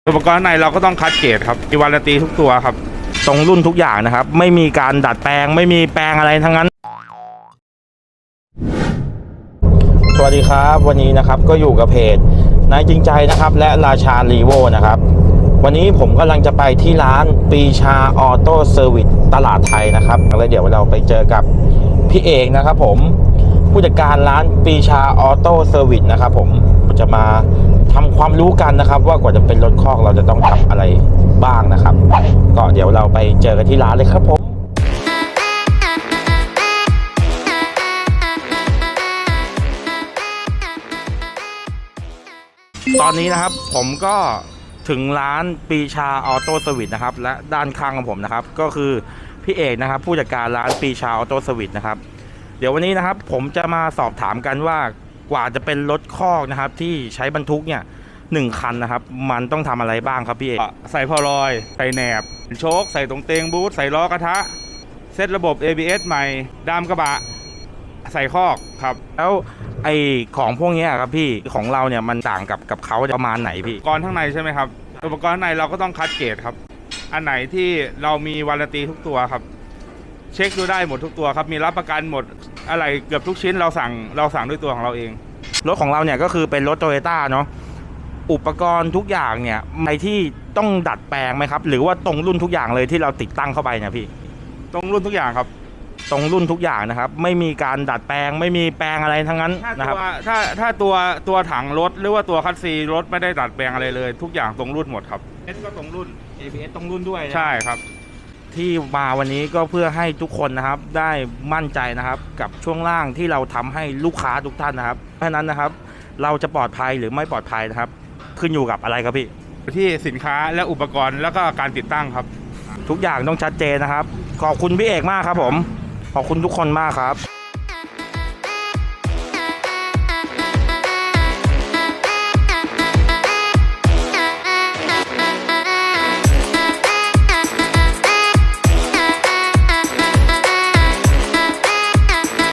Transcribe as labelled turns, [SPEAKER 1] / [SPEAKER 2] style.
[SPEAKER 1] อุปกรณ์ในเราก็ต้องคัดเกรดครับมีวารันตีทุกตัวครับ
[SPEAKER 2] ตรงรุ่นทุกอย่างนะครับไม่มีการดัดแปลงไม่มีแปลงอะไรทั้งนั้นสวัสดีครับวันนี้นะครับก็อยู่กับเพจนายจริงใจนะครับและราชาลีโวนะครับวันนี้ผมกำลังจะไปที่ร้านปีชาออโต้เซอร์วิสตลาดไทยนะครับแล้วเดี๋ยวเราไปเจอกับพี่เอกนะครับผมผู้จัดการร้านปีชาออโต้เซอร์วิสนะครับผมจะมาทำความรู้กันนะครับว่ากว่าจะเป็นรถคอกเราจะต้องทำอะไรบ้างนะครับก็เดี๋ยวเราไปเจอกันที่ร้านเลยครับผมตอนนี้นะครับผมก็ถึงร้านปีชาออโต้เซอร์วิสนะครับและด้านข้างของผมนะครับก็คือพี่เอกนะครับผู้จัดการร้านปีชาออโต้เซอร์วิสนะครับเดี๋ยววันนี้นะครับผมจะมาสอบถามกันว่ากว่าจะเป็นรถคอกนะครับที่ใช้บรรทุกเนี่ย1 คันนะครับมันต้องทำอะไรบ้างครับพี่เอก
[SPEAKER 1] ใส่พอลอยใส่แหนบโชคใส่ตรงเตงบูทใส่ล้อกระทะเซตระบบ ABS ใหม่ดามกระบะใส่คอกครับ
[SPEAKER 2] แล้วไอของพวกนี้ครับพี่ของเราเนี่ยมันต่างกับเขาประมาณไหนพี่
[SPEAKER 1] อุปกรณ์ข้างในใช่ไหมครับอุปกรณ์ข้างในเราก็ต้องคัดเกรดครับอันไหนที่เรามีวารันตีทุกตัวครับเช็คดูได้หมดทุกตัวครับมีรับประกันหมดอะไรเกือบทุกชิ้นเราสั่งด้วยตัวของเราเอง
[SPEAKER 2] รถของเราเนี่ยก็คือเป็นรถโตโยต้าเนาะอุปกรณ์ทุกอย่างเนี่ยในที่ต้องดัดแปลงไหมครับหรือว่าตรงรุ่นทุกอย่างเลยที่เราติดตั้งเข้าไปเนี่ยพี่
[SPEAKER 1] ตรงรุ่นทุกอย่างครับ
[SPEAKER 2] ตรงรุ่นทุกอย่างนะครับไม่มีการดัดแปลงไม่มีแปลงอะไรทั้งนั้นนะครับ
[SPEAKER 1] ถ้าตัวถังรถหรือว่าตัวคัสซีรถไม่ได้ดัดแปลงอะไรเลยทุกอย่างตรงรุ่นหมดครับก็ตรงรุ่น
[SPEAKER 2] ABS ตรงรุ่นด้วย
[SPEAKER 1] ใช่ครับ
[SPEAKER 2] ที่มาวันนี้ก็เพื่อให้ทุกคนนะครับได้มั่นใจนะครับกับช่วงล่างที่เราทำให้ลูกค้าทุกท่านนะครับเพราะนั้นนะครับเราจะปลอดภัยหรือไม่ปลอดภัยนะครับขึ้นอยู่กับอะไรครับพี่
[SPEAKER 1] ที่สินค้าและอุปกรณ์แล้วก็การติดตั้งครับ
[SPEAKER 2] ทุกอย่างต้องชัดเจนนะครับขอบคุณพี่เอกมากครับผมขอบคุณทุกคนมากครับ